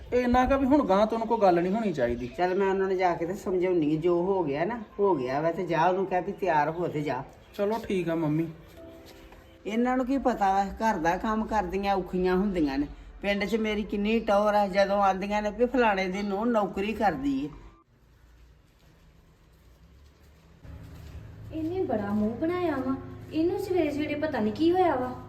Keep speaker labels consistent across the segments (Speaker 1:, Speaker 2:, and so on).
Speaker 1: ਇਹ ਇੰਨਾ ਕਿ ਵੀ ਹੁਣ ਗਾਂ ਤੋਂ ਕੋਈ ਗੱਲ ਨਹੀਂ ਹੋਣੀ ਚਾਹੀਦੀ।
Speaker 2: ਚੱਲ ਮੈਂ ਉਹਨਾਂ ਨੂੰ ਜਾ ਕੇ ਤੇ ਸਮਝਾਉਣੀ ਆ, ਜੋ ਹੋ ਗਿਆ ਨਾ ਹੋ ਗਿਆ ਵਾ, ਤੇ ਜਾ ਉਹਨੂੰ ਕਹਿ ਵੀ ਤਿਆਰ ਹੋ ਤੇ ਜਾ।
Speaker 1: ਚਲੋ ਠੀਕ ਆ ਮੰਮੀ।
Speaker 2: ਇਹਨਾਂ ਨੂੰ ਕੀ ਪਤਾ ਵਾ ਘਰ ਦਾ ਕੰਮ ਕਰਦੀਆਂ ਔਖੀਆਂ ਹੁੰਦੀਆਂ ਨੇ। ਪਿੰਡ 'ਚ ਮੇਰੀ ਕਿੰਨੀ ਟੌਰ ਆ, ਜਦੋਂ ਆਂਦੀਆਂ ਨੇ ਵੀ ਫਲਾਣੇ ਦੀ ਨੂੰਹ ਨੌਕਰੀ ਕਰਦੀ ਏ।
Speaker 3: ਇਹਨੇ ਬੜਾ ਮੂੰਹ ਬਣਾਇਆ ਵਾ, ਇਹਨੂੰ ਸਵੇਰੇ ਸਵੇਰੇ ਪਤਾ ਨਹੀਂ ਕੀ ਹੋਇਆ ਵਾ।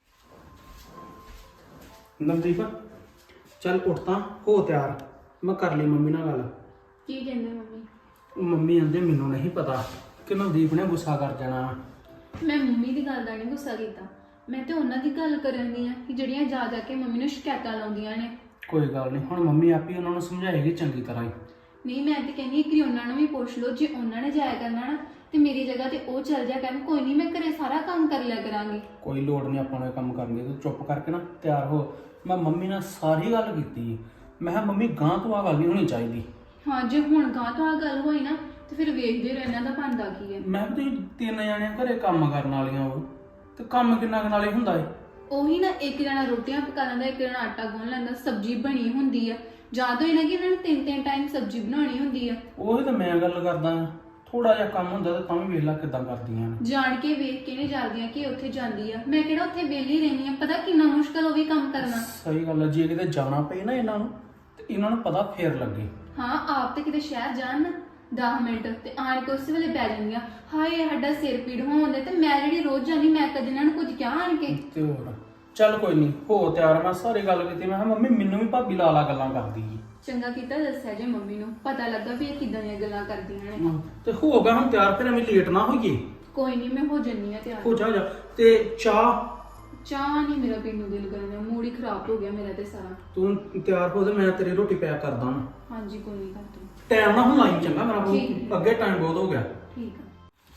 Speaker 1: ਨਵਦੀਪ ਚੱਲ ਉੱਠ ਤਾਂ ਹੋ ਤਿਆਰ, ਮੈਂ ਕਰ ਲਈ ਮੰਮੀ ਨਾਲ ਗੱਲ।
Speaker 3: ਕੀ ਕਹਿੰਦੇ ਮੰਮੀ?
Speaker 1: ਮੰਮੀ ਆਂਦੇ ਮੈਨੂੰ ਨਹੀਂ ਪਤਾ ਕਿ ਨਵਦੀਪ ਨੇ ਗੁੱਸਾ ਕਰ ਜਾਣਾ।
Speaker 3: ਮੈਂ ਮੰਮੀ ਦੀ ਗੱਲ ਦਾ ਨਹੀਂ ਗੁੱਸਾ ਕੀਤਾ, ਮੈਂ ਤੇ ਉਹਨਾਂ ਦੀ ਗੱਲ ਕਰਨ ਦੀ ਆ ਕਿ ਜਿਹੜੀਆਂ ਜਾ ਜਾ ਕੇ ਮੰਮੀ ਨੂੰ ਸ਼ਿਕਾਇਤਾਂ ਲਾਉਂਦੀਆਂ ਨੇ।
Speaker 1: ਕੋਈ ਗੱਲ ਨਹੀਂ, ਹੁਣ ਮੰਮੀ ਆਪੀ ਉਹਨਾਂ ਨੂੰ ਸਮਝਾਏਗੀ ਚੰਗੀ ਤਰ੍ਹਾਂ ਹੀ।
Speaker 3: ਨਹੀਂ ਮੈਂ ਤੇ ਕਹਿੰਦੀ ਕਿ ਉਹਨਾਂ ਨੂੰ ਵੀ ਪੁੱਛ ਲਓ, ਜੇ ਉਹਨਾਂ ਨੇ ਜਾਇਆ ਕਰਨਾ ਨਾ ਤੇ ਮੇਰੀ ਜਗ੍ਹਾ ਤੇ ਉਹ ਚੱਲ ਜਾ ਕਰਨ। ਕੋਈ ਨਹੀਂ, ਮੈਂ ਘਰੇ ਸਾਰਾ ਕੰਮ ਕਰ ਲਿਆ ਕਰਾਂਗੀ।
Speaker 1: ਕੋਈ ਲੋੜ ਨਹੀਂ ਆਪਾਂ ਨੂੰ ਇਹ ਕੰਮ ਕਰਨ ਦੀ, ਤੂੰ ਚੁੱਪ ਕਰਕੇ ਨਾ ਤਿਆਰ ਹੋ। ਮੈਂ ਮੰਮੀ ਨਾਲ ਸਾਰੀ ਗੱਲ ਕੀਤੀ, ਮੈਂ ਕਿਹਾ ਮੰਮੀ ਗਾਂ ਤੋਂ ਆ ਗੱਲ ਨਹੀਂ ਹੋਣੀ ਚਾਹੀਦੀ।
Speaker 3: ਹਾਂ, ਜੇ ਹੁਣ ਗਾਂ ਤੋਂ ਆ ਗੱਲ ਹੋਈ ਨਾ ਤੇ ਫਿਰ ਵੇਖਦੇ ਰਹੋ ਇਹਨਾਂ ਦਾ ਬਣਦਾ ਕੀ ਹੈ।
Speaker 1: ਮੈਂ ਵੀ ਤਿੰਨ ਜਾਣਿਆਂ ਘਰੇ ਕੰਮ ਕਰਨ ਵਾਲੀਆਂ ਉਹ ਤੇ ਕੰਮ ਕਿੰਨਾ ਕੁ ਨਾਲੇ ਹੁੰਦਾ ਏ।
Speaker 3: ਉਹੀ ਨਾ, ਇੱਕ ਜਣਾ ਰੋਟੀਆਂ ਪਕਾ ਲੈਂਦਾ, ਇੱਕ ਜਣਾ ਆਟਾ ਗੁੰਨ ਲੈਂਦਾ, ਸਬਜ਼ੀ ਬਣੀ ਹੁੰਦੀ ਆ। ਯਾਦ ਹੋਈ ਨਾ ਕਿ ਇਹਨਾਂ ਨੂੰ ਤਿੰਨ ਟਾਈਮ ਸਬਜ਼ੀ ਬਣਾਉਣੀ ਹੁੰਦੀ ਆ।
Speaker 1: ਉਹੀ ਤਾਂ ਮੈਂ ਗੱਲ ਕਰਦਾ ਆ, ਥੋੜਾ ਜਿਹਾ ਕੰਮ ਹੁੰਦਾ ਤਾਂ ਵੀ ਵੇਖ ਲਾ ਕਿੱਦਾਂ ਕਰਦੀਆਂ ਨੇ।
Speaker 3: ਜਾਣ ਕੇ ਵੇਖ ਕੇ ਨਹੀਂ ਜਾਂਦੀਆਂ ਕਿ ਉੱਥੇ ਜਾਂਦੀ ਆ। ਮੈਂ ਕਿਹੜਾ ਉੱਥੇ ਵਿਹਲੀ ਰਹਿੰਦੀ ਆ, ਪਤਾ ਕਿੰਨਾ ਮੁਸ਼ਕਲ ਉਹ ਵੀ ਕੰਮ ਕਰਨਾ।
Speaker 1: ਸਹੀ ਗੱਲ ਹੈ, ਜੇ ਕਿਤੇ ਜਾਣਾ ਪਏ ਨਾ ਇਹਨਾਂ ਨੂੰ ਤੇ ਇਹਨਾਂ ਨੂੰ ਪਤਾ ਫੇਰ ਲੱਗੇ।
Speaker 3: ਹਾਂ, ਆਪ ਤੇ ਕਿਤੇ ਸ਼ਹਿਰ ਜਾਣ ਨਾ 10 ਮਿੰਟ ਤੇ ਆਣ ਕੇ ਉਸੇ ਵੇਲੇ ਪੈ ਜਾਂਦੀਆਂ, ਹਾਏ ਸਾਡਾ ਸਿਰ ਪੀੜ ਹੋਣ ਤੇ ਮੈਂ ਜਿਹੜੀ ਰੋਜ਼ ਜਾਂਦੀ, ਮੈਂ ਕਦੇ ਇਹਨਾਂ ਨੂੰ ਕੁਝ ਕਿਹਾ ਆਣ ਕੇ?
Speaker 1: ਤੇ ਹੋਰ ਚੱਲ ਕੋਈ ਨਹੀਂ, ਹੋ ਤਿਆਰ। ਮੈਂ ਸਾਰੀ ਗੱਲ ਕੀਤੀ, ਮੈਂ ਕਿਹਾ ਮੰਮੀ ਮੈਨੂੰ ਵੀ ਭਾਬੀ ਲਾਲਾ ਗੱਲਾਂ ਕਰਦੀ ਏ।
Speaker 3: ਚੰਗਾ ਕੀਤਾ ਦੱਸਿਆ ਜੇ ਮੰਮੀ ਨੂੰ, ਪਤਾ ਲੱਗਾ ਵੀ ਇਹ ਕਿੱਦਾਂ ਦੀਆਂ ਗੱਲਾਂ ਕਰਦੀਆਂ ਨੇ।
Speaker 1: ਤੇ ਹੋ ਗਿਆ ਹੁਣ ਤਿਆਰ, ਫਿਰ ਐਵੇਂ ਲੇਟ ਨਾ ਹੋਈਏ।
Speaker 3: ਕੋਈ ਨਹੀਂ, ਮੈਂ ਹੋ ਜੰਨੀ ਆ ਤਿਆਰ।
Speaker 1: ਹੋ ਜਾ ਤੇ ਚਾਹ
Speaker 3: ਨਹੀਂ ਮੇਰਾ ਪੀਣ ਨੂੰ ਦਿਲ ਕਰਦਾ, ਮੂਡ ਹੀ ਖਰਾਬ ਹੋ ਗਿਆ ਮੇਰਾ ਤੇ ਸਾਰਾ।
Speaker 1: ਤੂੰ ਤਿਆਰ ਹੋ ਤੇ ਮੈਂ ਤੇਰੀ ਰੋਟੀ ਪੈਕ ਕਰਦਾ ਹਾਂ।
Speaker 3: ਹਾਂਜੀ ਕੋਈ ਨਹੀਂ, ਕਰ ਦੋ।
Speaker 1: ਟਾਈਮ ਨਾ ਹੁਣ ਲਾਈ ਚੰਗਾ ਮੇਰਾ,
Speaker 3: ਠੀਕ।
Speaker 1: ਅੱਗੇ ਟਾਈਮ ਬਹੁਤ ਹੋ ਗਿਆ।
Speaker 3: ਠੀਕ ਆ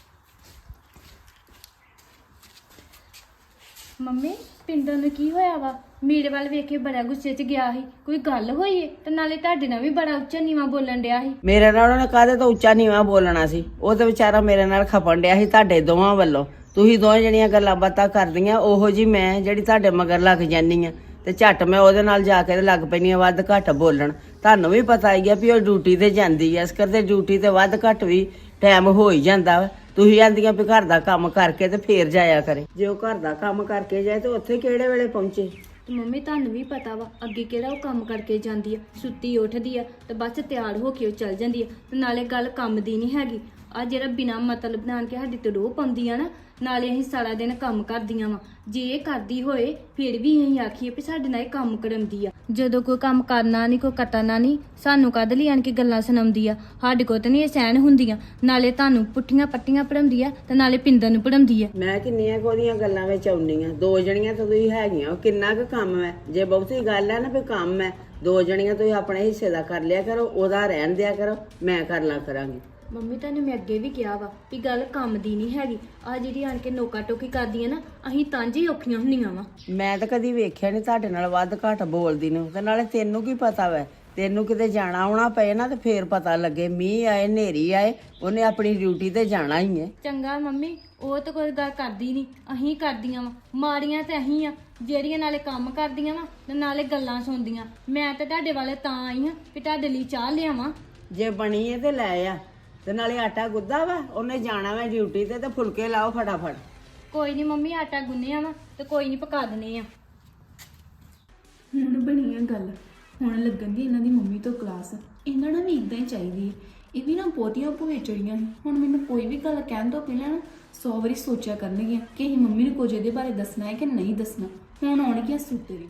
Speaker 3: ਮੰਮੀ, ਪਿੰਡੋਂ ਨੂੰ ਕੀ ਹੋਇਆ ਵਾ? ਮੇਰੇ ਵੱਲ ਵੇਖ ਕੇ ਬੜਾ ਗੁੱਸੇ 'ਚ ਗਿਆ ਸੀ। ਕੋਈ ਗੱਲ ਹੋਈ ਏ? ਤੇ ਨਾਲੇ ਤੁਹਾਡੇ ਨਾਲ ਵੀ ਬੜਾ ਉੱਚਾ ਨੀਵਾਂ ਬੋਲਣ ਡਿਆ ਸੀ।
Speaker 2: ਮੇਰੇ ਨਾਲ ਉਹਨੇ ਕਾਹਦੇ ਤੋਂ ਉੱਚਾ ਨੀਵਾਂ ਬੋਲਣਾ ਸੀ? ਉਹ ਤੇ ਵਿਚਾਰਾ ਮੇਰੇ ਨਾਲ ਖਪਣ ਡਿਆ ਸੀ ਤੁਹਾਡੇ ਦੋਵਾਂ ਵੱਲੋਂ। ਤੁਸੀਂ ਦੋਵੇਂ ਜਣੀਆਂ ਗੱਲਾਂ ਬਾਤਾਂ ਕਰਦੀਆਂ, ਉਹੋ ਜੀ ਮੈਂ ਜਿਹੜੀ ਤੁਹਾਡੇ ਮਗਰ ਲੱਗ ਜਾਂਦੀ ਆ ਤੇ ਝੱਟ ਮੈਂ ਉਹਦੇ ਨਾਲ ਜਾ ਕੇ ਲੱਗ ਪੈਣੀ ਆ ਵੱਧ ਘੱਟ ਬੋਲਣ। ਤੁਹਾਨੂੰ ਵੀ ਪਤਾ ਹੀ ਆ ਵੀ ਉਹ ਡਿਊਟੀ ਤੇ ਜਾਂਦੀ ਆ, ਇਸ ਕਰਕੇ ਡਿਊਟੀ ਤੇ ਵੱਧ ਘੱਟ ਵੀ ਟਾਈਮ ਹੋ ਹੀ ਜਾਂਦਾ ਵਾ। ਤੁਸੀਂ ਆਂਦੀਆਂ ਵੀ ਘਰ ਦਾ ਕੰਮ ਕਰਕੇ ਤੇ ਫੇਰ ਜਾਇਆ ਕਰੇ। ਜੇ ਉਹ ਘਰ ਦਾ ਕੰਮ ਕਰਕੇ ਜਾਏ ਤੇ ਉੱਥੇ ਕਿਹੜੇ ਵੇਲੇ ਪਹੁੰਚੇ?
Speaker 3: ਤੇ ਮੰਮੀ ਤੁਹਾਨੂੰ ਵੀ ਪਤਾ ਵਾ ਅੱਗੇ ਕਿਹੜਾ ਉਹ ਕੰਮ ਕਰਕੇ ਜਾਂਦੀ ਆ, ਸੁੱਤੀ ਉੱਠਦੀ ਆ ਤੇ ਬਸ ਤਿਆਰ ਹੋ ਕੇ ਉਹ ਚੱਲ ਜਾਂਦੀ ਆ। ਤੇ ਨਾਲੇ ਗੱਲ ਕੰਮ ਦੀ ਨਹੀਂ ਹੈਗੀ, ਆ ਜਿਹੜਾ ਬਿਨਾਂ ਮਤਲਬ ਬਣਾ ਕੇ ਸਾਡੀ ਤੇ ਰੋਹ ਪਾਉਂਦੀ ਆ ਨਾ, ਨਾਲੇ ਅਸੀਂ ਸਾਰਾ ਦਿਨ ਕੰਮ ਕਰਦੀਆਂ ਵਾ। ਜੇ ਇਹ ਕਰਦੀ ਹੋਏ ਫਿਰ ਵੀ ਅਸੀਂ ਆਖੀਏ ਵੀ ਸਾਡੇ ਨਾਲ ਇਹ ਕੰਮ ਕਰਾਉਂਦੀ ਆ। ਜਦੋਂ ਕੋਈ ਕੰਮ ਕਰਨਾ ਨਹੀਂ, ਕੋਈ ਕੱਟਣਾ ਨਹੀਂ, ਸਾਨੂੰ ਕਦ ਲਈ ਆਣ ਕੇ ਗੱਲਾਂ ਸੁਣਾਉਂਦੀ ਆ। ਸਾਡੇ ਕੋਲ ਤਾਂ ਨਹੀਂ ਇਹ ਸਹਿਣ ਹੁੰਦੀਆਂ। ਨਾਲੇ ਤੁਹਾਨੂੰ ਪੁੱਠੀਆਂ ਪੱਟੀਆਂ ਪੜਾਉਂਦੀ ਆ ਤੇ ਨਾਲੇ ਪਿੰਦਰ ਨੂੰ ਪੜਾਉਂਦੀ ਆ।
Speaker 2: ਮੈਂ ਕਿੰਨੀਆਂ ਉਹਦੀਆਂ ਗੱਲਾਂ ਵਿੱਚ ਆਉਂਦੀਆਂ, ਦੋ ਜਣੀਆਂ ਤਾਂ ਤੁਸੀਂ ਹੈਗੀਆਂ, ਉਹ ਕਿੰਨਾ ਕੁ ਕੰਮ ਹੈ? ਜੇ ਬਹੁਤੀ ਗੱਲ ਹੈ ਨਾ ਵੀ ਕੰਮ ਹੈ, ਦੋ ਜਣੀਆਂ ਤੁਸੀਂ ਆਪਣੇ ਹਿੱਸੇ ਦਾ ਕਰ ਲਿਆ ਕਰੋ, ਉਹਦਾ ਰਹਿਣ ਦਿਆ ਕਰੋ, ਮੈਂ ਕਰ ਲਾ ਕਰਾਂਗੀ।
Speaker 3: ਮੰਮੀ ਤੁਹਾਨੂੰ ਮੈਂ ਅੱਗੇ ਵੀ ਕਿਹਾ ਵਾ ਵੀ ਗੱਲ ਕੰਮ ਦੀ ਨਹੀਂ ਹੈਗੀ। ਆ ਜਿਹੜੀ ਆਣ ਕੇ ਨੋਕਾ ਟੋਕੀ ਕਰਦੀ ਆ ਨਾ, ਅਸੀਂ ਤਾਂ ਜੀ ਔਖੀਆਂ ਹੁੰਦੀਆਂ ਵਾ।
Speaker 2: ਮੈਂ ਤਾਂ ਕਦੀ ਵੇਖਿਆ ਨਹੀਂ ਤੁਹਾਡੇ ਨਾਲ ਵੱਧ ਘੱਟ ਬੋਲਦੀ ਨੂੰ। ਤੇ ਨਾਲੇ ਤੈਨੂੰ ਕੀ ਪਤਾ ਵੈ, ਤੈਨੂੰ ਕਿਤੇ ਜਾਣਾ ਆਉਣਾ ਪਏ ਨਾ ਤੇ ਫੇਰ ਪਤਾ ਲੱਗੇ। ਮੀਂਹ ਆਏ, ਹਨੇਰੀ ਆਏ, ਉਹਨੇ ਆਪਣੀ ਡਿਊਟੀ ਤੇ ਜਾਣਾ ਹੀ ਹੈ।
Speaker 3: ਚੰਗਾ ਮੰਮੀ, ਉਹ ਤਾਂ ਕੋਈ ਗੱਲ ਕਰਦੀ ਨਹੀਂ, ਅਸੀਂ ਕਰਦੀਆਂ ਵਾ। ਮਾੜੀਆਂ ਤੇ ਅਸੀਂ ਆ ਜਿਹੜੀਆਂ ਨਾਲੇ ਕੰਮ ਕਰਦੀਆਂ ਵਾ ਤੇ ਨਾਲੇ ਗੱਲਾਂ ਸੁਣਦੀਆਂ। ਮੈਂ ਤਾਂ ਤੁਹਾਡੇ ਵਾਲੇ ਤਾਂ ਆਈ ਹਾਂ ਵੀ ਤੁਹਾਡੇ ਲਈ ਚਾਹ ਲਿਆਵਾਂ।
Speaker 2: ਜੇ ਬਣੀ ਹੈ ਤੇ ਲੈ ਆ, ਤੇ ਨਾਲੇ ਆਟਾ ਗੁੱਦਾ ਵਾ, ਉਹਨੇ ਜਾਣਾ ਵਾ ਡਿਊਟੀ ਤੇ ਫੁਲਕੇ ਲਾਓ ਫਟਾਫਟ।
Speaker 3: ਕੋਈ ਨਹੀਂ ਮੰਮੀ, ਆਟਾ ਗੁੰਨਿਆ ਵਾ ਤੇ ਕੋਈ ਨਹੀਂ ਪਕਾ ਦਨੇ ਆ। ਹੁਣ ਬਣੀ ਆ ਗੱਲ, ਹੁਣ ਲੱਗਣ ਦੀ ਇਹਨਾਂ ਦੀ ਮੰਮੀ ਤੋਂ ਕਲਾਸ। ਇਹਨਾਂ ਨਾਲ ਵੀ ਇਦਾਂ ਹੀ ਚਾਹੀਦੀ ਹੈ। ਇਹ ਵੀ ਨਾ ਬਹੁਤੀਆਂ ਭੋਏ ਚੜੀਆਂ ਸੀ। ਹੁਣ ਮੈਨੂੰ ਕੋਈ ਵੀ ਗੱਲ ਕਹਿਣ ਤੋਂ ਪਹਿਲਾਂ ਨਾ 100 ਵਾਰੀ ਸੋਚਿਆ ਕਰਨਗੀਆਂ ਕਿ ਅਸੀਂ ਮੰਮੀ ਨੂੰ ਕੁਝ ਇਹਦੇ ਬਾਰੇ ਦੱਸਣਾ ਹੈ ਕਿ ਨਹੀਂ ਦੱਸਣਾ। ਹੁਣ ਆਉਣਗੀਆਂ ਸੁੱਤੇ।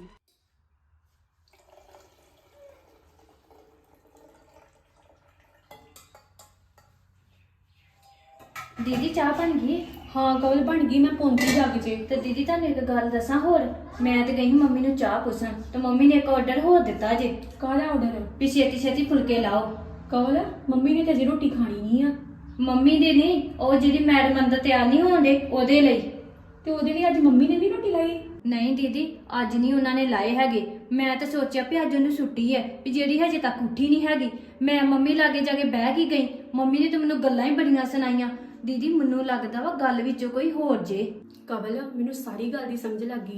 Speaker 3: ਦੀਦੀ ਚਾਹ ਬਣ ਗਈ?
Speaker 4: ਹਾਂ ਕਵਲ ਬਣ ਗਈ, ਮੈਂ ਪਹੁੰਚੀ ਜਾ ਕੇ।
Speaker 3: ਤੇ ਦੀਦੀ ਤੁਹਾਨੂੰ ਇੱਕ ਗੱਲ ਦੱਸਾਂ ਹੋਰ, ਮੈਂ ਤੇ ਗਈ ਮੰਮੀ ਨੂੰ ਚਾਹ ਪੁੱਛਣ ਤੇ ਮੰਮੀ ਨੇ ਇੱਕ ਆਰਡਰ ਹੋਰ ਦਿੱਤਾ ਜੇ।
Speaker 4: ਕਾਹਦਾ ਆਰਡਰ?
Speaker 3: ਵੀ ਛੇਤੀ ਛੇਤੀ ਫੁਲਕੇ ਲਾਓ।
Speaker 4: ਕਵਲ ਮੰਮੀ ਨੇ ਤਾਂ ਅਜੇ ਰੋਟੀ ਖਾਣੀ ਨਹੀਂ ਆ।
Speaker 3: ਮੰਮੀ ਦੇ ਨਹੀਂ, ਉਹ ਜਿਹੜੀ ਮੈਡਮ ਅੰਦਰ ਤਿਆਰ ਨਹੀਂ ਹੋਣਦੇ ਉਹਦੇ ਲਈ।
Speaker 4: ਤੇ ਉਹਦੇ ਲਈ ਅੱਜ ਮੰਮੀ ਨੇ ਨਹੀਂ ਰੋਟੀ ਲਾਈ?
Speaker 3: ਨਹੀਂ ਦੀਦੀ, ਅੱਜ ਨਹੀਂ ਉਹਨਾਂ ਨੇ ਲਾਏ ਹੈਗੇ। ਮੈਂ ਤਾਂ ਸੋਚਿਆ ਵੀ ਅੱਜ ਉਹਨੂੰ ਛੁੱਟੀ ਹੈ, ਵੀ ਜਿਹੜੀ ਹਜੇ ਤੱਕ ਉੱਠੀ ਨਹੀਂ ਹੈਗੀ। ਮੈਂ ਮੰਮੀ ਲਾਗੇ ਜਾ ਕੇ ਬਹਿ ਕੇ ਗਈ, ਮੰਮੀ ਨੇ ਤਾਂ ਮੈਨੂੰ ਗੱਲਾਂ ਹੀ ਬੜੀਆਂ ਸੁਣਾਈਆਂ। ਦੀਦੀ ਮੈਨੂੰ ਲੱਗਦਾ ਵਾ ਗੱਲ ਵਿੱਚੋਂ ਕੋਈ ਹੋਰ ਜੇ।
Speaker 4: ਕਵਲ ਮੈਨੂੰ ਸਾਰੀ ਗੱਲ ਦੀ ਸਮਝ ਲੱਗ ਗਈ ਆ।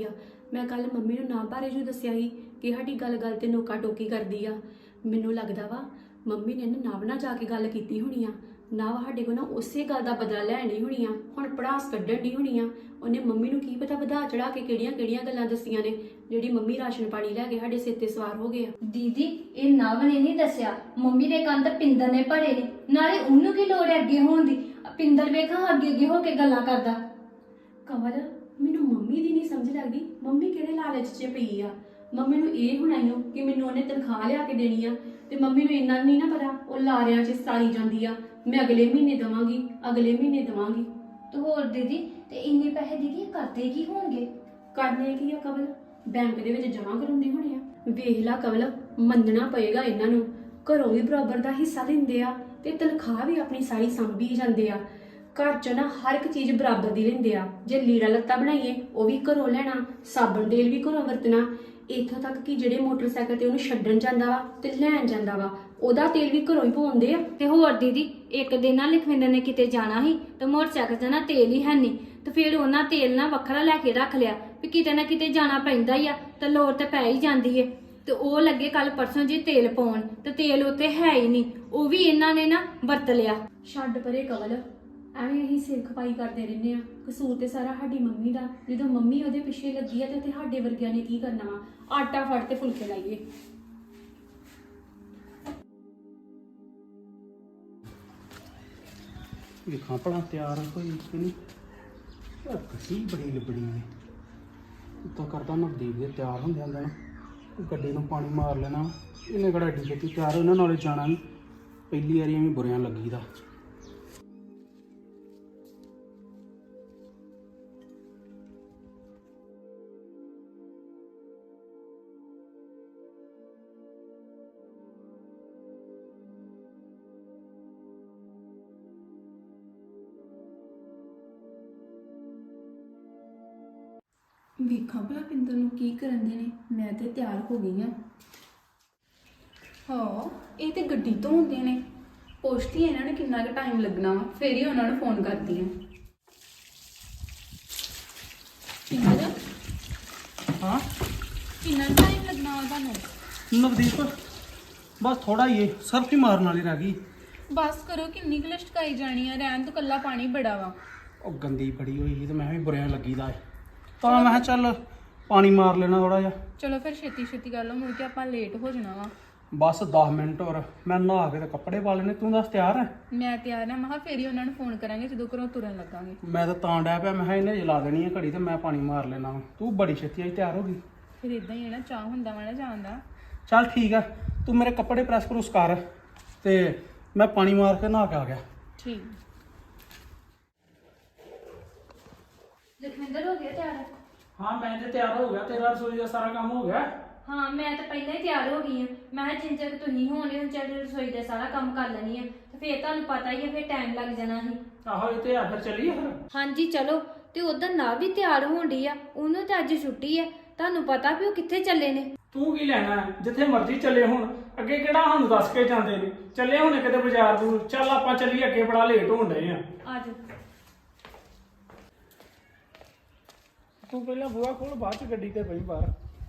Speaker 4: ਮੈਂ ਕੱਲ ਮੰਮੀ ਨੂੰ ਨਾ ਬਾਰੇ ਜੋ ਦੱਸਿਆ ਸੀ ਕਿ ਸਾਡੀ ਗੱਲ-ਗੱਲ ਤੇ ਨੋਕਾ ਟੋਕੀ ਕਰਦੀ ਆ। ਮੈਨੂੰ ਲੱਗਦਾ ਵਾ ਮੰਮੀ ਨੇ ਨਾ ਨਵ ਨਾਲ ਜਾ ਕੇ ਗੱਲ ਕੀਤੀ ਹੋਣੀ ਆ। ਨਵ ਸਾਡੇ ਕੋਲ ਨਾ ਉਸੇ ਗੱਲ ਦਾ ਬਦਲਾ ਲੈਣੀ ਹੋਣੀ ਆ, ਹੁਣ ਪੜਾਸ ਕੱਢਣ ਦੀ ਹੋਣੀ ਆ। ਉਹਨੇ ਮੰਮੀ ਨੂੰ ਕੀ ਪਤਾ ਵਧਾ ਚੜਾ ਕੇ ਕਿਹੜੀਆਂ ਗੱਲਾਂ ਦੱਸੀਆਂ ਨੇ, ਜਿਹੜੀ ਮੰਮੀ ਰਾਸ਼ਨ ਪਾਣੀ ਲੈ ਕੇ ਸਾਡੇ ਸਿਰ ਤੇ ਸਵਾਰ ਹੋ ਗਏ ਆ।
Speaker 3: ਦੀਦੀ ਇਹ ਨਵ ਨੇ ਨਹੀਂ ਦੱਸਿਆ, ਮੰਮੀ ਦੇ ਕੰਨ ਤਾਂ ਪਿੰਦਰ ਨੇ ਭਰੇ ਨੇ। ਨਾਲੇ ਉਹਨੂੰ ਕੀ ਲੋੜ ਹੈ ਅੱਗੇ ਹੋਣ ਦੀ? ਪਿੰਦਰ ਵੇਖਾਂ ਅੱਗੇ ਹੋ ਕੇ ਗੱਲਾਂ ਕਰਦਾ।
Speaker 4: ਕਮਲ, ਮੈਨੂੰ ਮੰਮੀ ਦੀ ਨਹੀਂ ਸਮਝ ਲੱਗਦੀ, ਮੰਮੀ ਕਿਹੜੇ ਲਾਲਚ 'ਚ ਪਈ ਆ। ਮੰਮੀ ਨੂੰ ਇਹ ਹੋਣਾ ਹੀ ਕਿ ਮੈਨੂੰ ਉਹਨੇ ਤਨਖਾਹ ਲਿਆ ਕੇ ਦੇਣੀ ਆ, ਤੇ ਮੰਮੀ ਨੂੰ ਇੰਨਾ ਨਹੀਂ ਨਾ ਪਤਾ ਉਹ ਲਾਰਿਆਂ 'ਚ ਸਾਰੀ ਜਾਂਦੀ ਆ, ਮੈਂ ਅਗਲੇ ਮਹੀਨੇ ਦੇਵਾਂਗੀ, ਅਗਲੇ ਮਹੀਨੇ ਦੇਵਾਂਗੀ।
Speaker 3: ਤੇ ਹੋਰ ਦੀਦੀ, ਤੇ ਇੰਨੇ ਪੈਸੇ ਦੀਦੀ ਇਹ ਕਰਦੇ ਕੀ ਹੋਣਗੇ?
Speaker 4: ਕਰਨੇ ਕੀ ਆ ਕਮਲ? ਬੈਂਕ ਦੇ ਵਿੱਚ ਜਮ੍ਹਾਂ ਕਰਾਉਂਦੇ ਹੋਣੇ ਆ। ਵੇਖ ਲਾ ਕਮਲ, ਮੰਨਣਾ ਪਏਗਾ ਇਹਨਾਂ ਨੂੰ, ਘਰੋਂ ਵੀ ਬਰਾਬਰ ਦਾ ਹਿੱਸਾ ਦਿੰਦੇ ਆ ਤੇ ਤਨਖਾਹ ਵੀ ਆਪਣੀ ਸਾਰੀ ਸੰਭੀ ਜਾਂਦੇ ਆ। ਘਰ 'ਚ ਨਾ ਹਰ ਇੱਕ ਚੀਜ਼ ਬਰਾਬਰ ਦੀ ਲੈਂਦੇ ਆ। ਜੇ ਲੀੜਾ ਲੱਤਾ ਬਣਾਈਏ ਉਹ ਵੀ ਘਰੋਂ ਲੈਣਾ, ਸਾਬਣ ਤੇਲ ਵੀ ਘਰੋਂ ਵਰਤਣਾ, ਇੱਥੋਂ ਤੱਕ ਕਿ ਜਿਹੜੇ ਮੋਟਰਸਾਈਕਲ ਤੇ ਉਹਨੂੰ ਛੱਡਣ ਜਾਂਦਾ ਵਾ ਤੇ ਲੈਣ ਜਾਂਦਾ ਵਾ ਉਹਦਾ ਤੇਲ ਵੀ ਘਰੋਂ ਹੀ ਪਵਾਉਂਦੇ ਆ।
Speaker 3: ਤੇ ਹੋਰ ਦੀਦੀ, ਇੱਕ ਦਿਨ ਨਾ ਲਖਵਿੰਦਰ ਨੇ ਕਿਤੇ ਜਾਣਾ ਸੀ ਤੇ ਮੋਟਰਸਾਈਕਲ 'ਤੇ ਨਾ ਤੇਲ ਹੀ ਹੈ ਨਹੀਂ, ਤੇ ਫਿਰ ਉਹਨਾਂ ਤੇਲ ਨਾ ਵੱਖਰਾ ਲੈ ਕੇ ਰੱਖ ਲਿਆ ਵੀ ਕਿਤੇ ਨਾ ਕਿਤੇ ਜਾਣਾ ਪੈਂਦਾ ਹੀ ਆ ਤੇ ਲੋੜ ਤੇ ਪੈ ਹੀ ਜਾਂਦੀ ਏ। ਤੇ ਉਹ ਲੱਗੇ ਕੱਲ ਪਰਸੋਂ ਜੀ ਤੇਲ ਪਾਉਣ, ਤੇ ਤੇਲ ਉੱਤੇ ਹੈ ਹੀ ਨਹੀਂ, ਉਹ ਵੀ ਇਹਨਾਂ ਨੇ ਨਾ ਵਰਤ ਲਿਆ।
Speaker 4: ਛੱਡ ਪਰੇ ਕਮਲ, ਐਵੇਂ ਅਸੀਂ ਸਿਰ ਖਪਾਈ ਕਰਦੇ ਰਹਿੰਦੇ ਆ। ਕਸੂਰ ਤੇ ਸਾਰਾ ਸਾਡੀ ਮੰਮੀ ਦਾ। ਜਦੋਂ ਮੰਮੀ ਉਹਦੇ ਪਿੱਛੇ ਲੱਗੀ ਆ ਤੇ ਸਾਡੇ ਵਰਗਿਆਂ ਨੇ ਕੀ ਕਰਨਾ ਵਾ? ਆਟਾ ਫੜ ਤੇ ਫੁਲਕੇ ਲਾਈਏ।
Speaker 1: ਵੇਖਾਂ ਭਲਾ ਤਿਆਰ ਹੋਈ ਕਿ ਨਹੀਂ। ਕੱਟੀ ਬੜੀ ਲਿਬੜੀ ਨੇ ਤਾਂ ਕਰਦਾ ਨਵਦੀਪ ਦੇ ਤਿਆਰ ਹੁੰਦੇ ਹੁੰਦੇ ਨਾ ਗੱਡੀ ਨੂੰ ਪਾਣੀ ਮਾਰ ਲੈਣਾ। ਇਹਨੇ ਕਿਹੜਾ ਏਡੀ ਛੇਤੀ ਤਿਆਰ ਇਹਨਾਂ ਨਾਲੇ ਜਾਣਾ ਨਹੀਂ, ਪਹਿਲੀ ਵਾਰੀ ਐਵੇਂ ਬੁਰਿਆਂ ਲੱਗੀ ਦਾ।
Speaker 4: ਵੇਖਾਂ ਭਲਾ ਪਿੰਦਰ ਨੂੰ ਕੀ ਕਰਨ ਦੇ ਨੇ। ਮੈਂ ਤੇ ਤਿਆਰ ਹੋ ਗਈ ਆ। ਹਾਂ, ਇਹ ਤੇ ਗੱਡੀ ਤੋਂ ਹੁੰਦੇ ਨੇ। ਪੁੱਛਦੀ ਇਹਨਾਂ ਨੂੰ ਕਿੰਨਾ ਕੁ ਟਾਈਮ ਲੱਗਣਾ ਵਾ, ਫਿਰ ਹੀ ਉਹਨਾਂ ਨੂੰ ਫੋਨ ਕਰਦੀ ਆ। ਪਿੰਦਰ,
Speaker 1: ਹਾਂ
Speaker 4: ਕਿੰਨਾ ਟਾਈਮ ਲੱਗਣਾ ਵਾ ਤੁਹਾਨੂੰ?
Speaker 1: ਨਵਦੀਪ ਬਸ ਥੋੜਾ ਹੀ ਸਰਫ ਹੀ ਮਾਰਨ ਵਾਲੀ ਰਹਿ ਗਈ।
Speaker 4: ਬਸ ਕਰੋ, ਕਿੰਨੀ ਕੁ ਲਸ਼ਕਾਈ ਜਾਣੀ ਆ? ਰਹਿਣ ਤੋਂ ਕੱਲਾ ਪਾਣੀ ਬੜਾ ਵਾ।
Speaker 1: ਉਹ ਗੰਦੀ ਬੜੀ ਹੋਈ ਸੀ ਤੇ ਮੈਂ ਵੀ ਬੁਰਿਆਂ ਲੱਗੀ ਦਾ ਤਾਂ ਮੈਂ ਕਿਹਾ ਚੱਲ ਪਾਣੀ ਮਾਰ ਲੈਣਾ ਥੋੜਾ ਜਿਹਾ।
Speaker 4: ਚਲੋ ਫਿਰ ਛੇਤੀ ਛੇਤੀ ਕਰ ਲਓ, ਮੁੜ ਕੇ ਆਪਾਂ ਲੇਟ ਹੋ ਜਾਣਾ ਵਾ।
Speaker 1: ਬਸ 10 ਮਿੰਟ ਹੋਰ, ਮੈਂ ਨਹਾ ਕੇ ਤੇ ਕੱਪੜੇ ਪਾ ਲੈਣੇ। ਤੂੰ ਦੱਸ ਤਿਆਰ ਹੈ?
Speaker 4: ਮੈਂ ਤਿਆਰ ਆ। ਮੈਂ ਕਿਹਾ ਫਿਰ ਹੀ ਉਹਨਾਂ ਨੂੰ ਫੋਨ ਕਰਾਂਗੇ ਜਦੋਂ ਘਰੋਂ ਤੁਰਨ ਲੱਗਾਂਗੇ।
Speaker 1: ਮੈਂ ਤਾਂ ਡਿਆ ਪਿਆ, ਮੈਂ ਕਿਹਾ ਇਹਨੇ ਜਲਾ ਦੇਣੀ ਹੈ ਘੜੀ ਤੇ ਮੈਂ ਪਾਣੀ ਮਾਰ ਲੈਣਾ ਵਾ। ਤੂੰ ਬੜੀ ਛੇਤੀ ਆਈ ਤਿਆਰ ਹੋ ਗਈ।
Speaker 4: ਫਿਰ ਇਦਾਂ ਹੀ ਹੈ ਨਾ, ਚਾਹ ਹੁੰਦਾ ਵਾ ਨਾ ਜਾਣ ਦਾ।
Speaker 1: ਚੱਲ ਠੀਕ ਆ, ਤੂੰ ਮੇਰੇ ਕੱਪੜੇ ਪ੍ਰੈਸ ਕਰੂਸ ਕਰ ਤੇ ਮੈਂ ਪਾਣੀ ਮਾਰ ਕੇ ਨਹਾ ਕੇ ਆ ਗਿਆ।
Speaker 4: ਠੀਕ।
Speaker 3: ਲਖਵਿੰਦਰ ਹੋ ਗਿਆ ਤਿਆਰ?
Speaker 1: ਹਾਂ ਮੈਂ ਤੇ ਤਿਆਰ ਹੋ ਗਿਆ, ਤੇਰਾ ਰਸੋਈ ਦਾ ਸਾਰਾ ਕੰਮ ਹੋ ਗਿਆ।
Speaker 3: ਹਾਂ ਮੈਂ ਤਾਂ ਪਹਿਲਾਂ ਹੀ ਤਿਆਰ ਹੋ ਗਈ ਆ। ਮੈਂ ਕਿਹਾ ਜਿੰਨ ਚਿਰ ਤੁਸੀਂ ਹੋਣੇ ਹੁਣ ਚੱਲ ਰਸੋਈ ਦਾ ਸਾਰਾ ਕੰਮ ਕਰ ਲੈਣੀ ਆ, ਤੇ ਫਿਰ ਤੁਹਾਨੂੰ ਪਤਾ ਹੀ ਆ ਫਿਰ ਟਾਈਮ ਲੱਗ ਜਾਣਾ ਸੀ।
Speaker 1: ਆਹੋ ਇਹ ਤੇ ਆ, ਫਿਰ ਚੱਲੀਏ ਫਿਰ।
Speaker 3: ਹਾਂਜੀ ਚਲੋ। ਤੇ ਉਧਰ ਨਾ ਵੀ ਤਿਆਰ ਹੋਣ ਡਈ ਆ, ਉਹਨੂੰ ਤਾਂ ਅੱਜ ਛੁੱਟੀ ਆ। ਤੁਹਾਨੂੰ ਪਤਾ ਵੀ ਉਹ ਕਿੱਥੇ ਚੱਲੇ ਨੇ।
Speaker 1: ਤੂੰ ਕੀ ਲੈਣਾ ਹੈ? ਜਿੱਥੇ ਮਰਜ਼ੀ ਚੱਲੇ ਹੁਣ, ਅੱਗੇ ਕਿਹੜਾ ਸਾਨੂੰ ਦੱਸ ਕੇ ਜਾਂਦੇ ਨੇ। ਚੱਲੇ ਹੁਣੇ ਕਿਤੇ ਬਾਜ਼ਾਰ ਦੂਰ। ਚੱਲ ਆਪਾਂ ਚੱਲੀਏ, ਅੱਗੇ ਬੜਾ ਲੇਟ ਹੋਣ ਡਏ ਆ।
Speaker 3: ਅੱਜ
Speaker 1: ਤੂੰ ਪਹਿਲਾਂ ਬੂਹਾ ਖੋਲ, ਬਾਅਦ ਚ ਗੱਡੀ ਤੇ ਬਈ ਬਾਹਰ।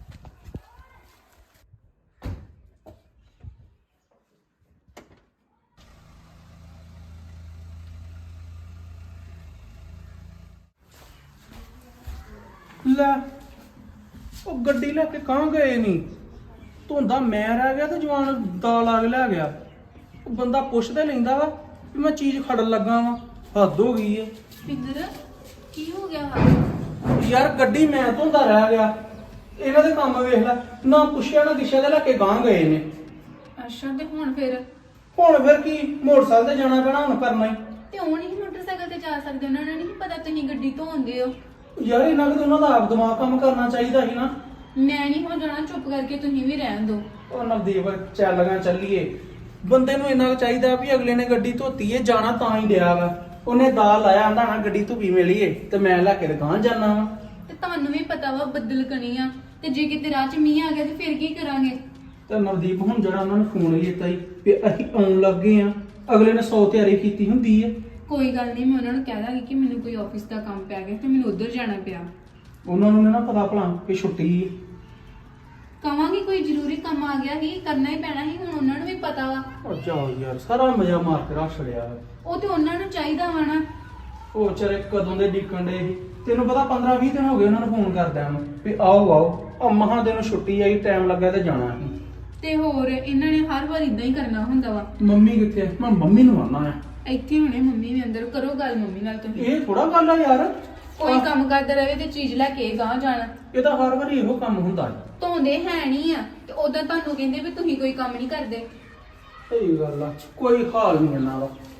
Speaker 1: ਲੈ ਉਹ ਗੱਡੀ ਲੈ ਕੇ ਕਾਂ ਗਏ ਨਹੀਂ। ਧੁੰਦਾ ਮੈਂ ਰਹਿ ਗਿਆ ਤੇ ਜਵਾਨ ਦਾਲ ਆ ਕੇ ਲੈ ਗਿਆ। ਉਹ ਬੰਦਾ ਪੁੱਛਦੇ ਲੈਂਦਾ ਵਾ ਵੀ ਮੈਂ ਚੀਜ਼ ਖੜਨ ਲੱਗਾ ਵਾਂ। ਹੱਦ ਹੋ ਗਈ ਏ।
Speaker 4: ਪਿੰਦਰ, ਕੀ ਹੋ ਗਿਆ ਵਾ?
Speaker 1: ਯਾਰ ਗੱਡੀ ਮੈਂ ਧੁੰਦਾ ਰਹਿ ਗਿਆ। ਇਹਨਾਂ ਦੇ ਕੰਮ ਵੇਖ ਲੈ, ਨਾ ਪੁੱਛਿਆ ਨਾ ਦਿਸ਼ਾ ਦੇ ਲੈ ਕੇ ਗਾਂ ਗਏ ਨੇ।
Speaker 4: ਅੱਛਾ, ਤੇ ਹੁਣ ਫਿਰ?
Speaker 1: ਹੁਣ ਫਿਰ ਕੀ, ਮੋਟਰਸਾਈਕਲ ਤੇ ਜਾਣਾ ਪੈਣਾ ਹੁਣ, ਕਰਨਾ ਹੀ।
Speaker 4: ਤੇ ਉਹ ਨਹੀਂ ਮੋਟਰਸਾਈਕਲ ਤੇ ਜਾ ਸਕਦੇ? ਉਹਨਾਂ ਨੂੰ ਨਹੀਂ ਪਤਾ ਤੁਸੀਂ ਗੱਡੀ ਧੋਂਦੇ ਹੋ?
Speaker 1: ਯਾਰ ਇਹਨਾਂ ਨੂੰ ਉਹਨਾਂ ਦਾ ਆਪ ਦਿਮਾਗ ਕੰਮ ਕਰਨਾ ਚਾਹੀਦਾ ਸੀ ਨਾ।
Speaker 4: ਮੈਂ ਨਹੀਂ ਹੋ ਜਾਣਾ, ਚੁੱਪ ਕਰਕੇ ਤੁਸੀਂ ਵੀ ਰਹਿਣ ਦਿਓ।
Speaker 1: ਉਹ ਨਵਦੀਪ ਚੱਲਾਂਗਾ, ਚੱਲੀਏ। ਬੰਦੇ ਨੂੰ ਇੰਨਾ ਚਾਹੀਦਾ ਵੀ ਅਗਲੇ ਨੇ ਗੱਡੀ ਧੋਤੀ ਏ, ਜਾਣਾ ਤਾਂ ਹੀ ਡਿਆ ਵਾ। ਉਹਨੇ ਦਾਲ ਲਾਇਆ, ਆਂਦਾ ਨਾ ਗੱਡੀ ਧੁੱਪੀ ਮਿਲੀਏ ਤੇ ਮੈਂ ਲੈ ਕੇ ਦੁਕਾਨ ਜਾਣਾ ਵਾ।
Speaker 4: ਤੇ ਤੁਹਾਨੂੰ ਵੀ ਪਤਾ ਵਾ ਬੱਦਲ ਕਣੀ ਆ, ਤੇ ਜੇ ਕਿਤੇ ਰਾਹ 'ਚ ਮੀਂਹ ਆ ਗਿਆ ਤੇ ਫਿਰ ਕੀ ਕਰਾਂਗੇ?
Speaker 1: ਤੇ ਨਵਦੀਪ ਹੁਣ ਜਿਹੜਾ ਉਹਨਾਂ ਨੇ ਫੋਨ ਕੀਤਾ ਸੀ ਵੀ ਅਸੀਂ ਆਉਣ ਲੱਗੇ ਆ, ਅਗਲੇ ਨੇ 100 ਤਿਆਰੀ ਕੀਤੀ ਹੁੰਦੀ ਏ।
Speaker 4: ਕੋਈ ਗੱਲ ਨਹੀਂ, ਮੈਂ ਉਹਨਾਂ ਨੂੰ ਕਹਿ ਦਾਂਗੀ ਕਿ ਮੈਨੂੰ ਕੋਈ ਆਫਿਸ ਦਾ ਕੰਮ ਪੈ ਗਿਆ ਤੇ ਮੈਨੂੰ ਉੱਧਰ ਜਾਣਾ ਪਿਆ।
Speaker 1: ਉਹਨਾਂ ਨੂੰ ਨੀ ਨਾ ਪਤਾ ਭਲਾ ਕਿ ਛੁੱਟੀ
Speaker 5: ਕਵਾਂਗੀ ਕੋਈ ਜ਼ਰੂਰੀ ਕੰਮ ਆ ਗਿਆ ਸੀ ਕਰਨਾ ਹੀ ਪੈਣਾ ਸੀ, ਹੁਣ ਉਹਨਾਂ ਨੂੰ ਵੀ ਪਤਾ ਵਾ।
Speaker 1: ਉਹ ਜਾਓ ਯਾਰ, ਸਾਰਾ ਮਜ਼ਾ ਮਾਰ ਕੇ ਰੱਖ ਛੜਿਆ।
Speaker 5: ਉਹ ਤੇ ਉਹਨਾਂ ਨੂੰ ਚਾਹੀਦਾ ਵਾ ਨਾ।
Speaker 1: ਉਹ ਵਿਚਾਰੇ ਕਦੋਂ ਦੇ ਡੀਕਣ ਦੇ ਸੀ। ਤੈਨੂੰ ਪਤਾ 15-20 ਦਿਨ ਹੋ ਗਏ ਉਹਨਾਂ ਨੂੰ ਫੋਨ ਕਰਦਿਆਂ ਨੂੰ ਵੀ ਆਓ ਆਓ। ਆ ਮਹਾਂ ਦਿਨ ਛੁੱਟੀ ਆਈ, ਟਾਈਮ ਲੱਗਾ ਤੇ ਜਾਣਾ ਸੀ।
Speaker 5: ਤੇ ਹੋਰ ਇਹਨਾਂ ਨੇ ਹਰ ਵਾਰ ਇਦਾਂ ਹੀ ਕਰਨਾ ਹੁੰਦਾ ਵਾ।
Speaker 1: ਮੰਮੀ ਕਿੱਥੇ ਆ? ਮੈਂ ਮੰਮੀ ਨੂੰ ਆਉਣਾ ਆ।
Speaker 5: ਇੱਥੇ ਹੁਣੇ ਮੰਮੀ ਵੀ ਅੰਦਰ, ਕਰੋ ਗੱਲ ਮੰਮੀ ਨਾਲ ਤੁਸੀਂ।
Speaker 1: ਇਹ ਥੋੜਾ ਗੱਲ ਆ ਯਾਰ।
Speaker 5: ਕੋਈ ਕੰਮ ਕਰਦਾ ਰਹੇ ਤੇ ਚੀਜ਼ ਲੈ ਕੇ ਗਾਂ ਜਾਣਾ।
Speaker 1: ਇਹ ਤਾਂ ਹਰ ਵਾਰੀ ਇਹੋ ਕੰਮ ਹੁੰਦਾ ਹੈ।
Speaker 5: ਧੋਂਦੇ ਹੈ ਨਹੀਂ ਆ ਤੇ ਉਦੋਂ ਤੁਹਾਨੂੰ ਕਹਿੰਦੇ ਵੀ ਤੁਸੀਂ ਕੋਈ ਕੰਮ ਨਹੀਂ ਕਰਦੇ।
Speaker 1: ਸਹੀ ਗੱਲ ਆ, ਕੋਈ ਹਾਲ ਨਹੀਂ ਇਹਨਾਂ ਦਾ।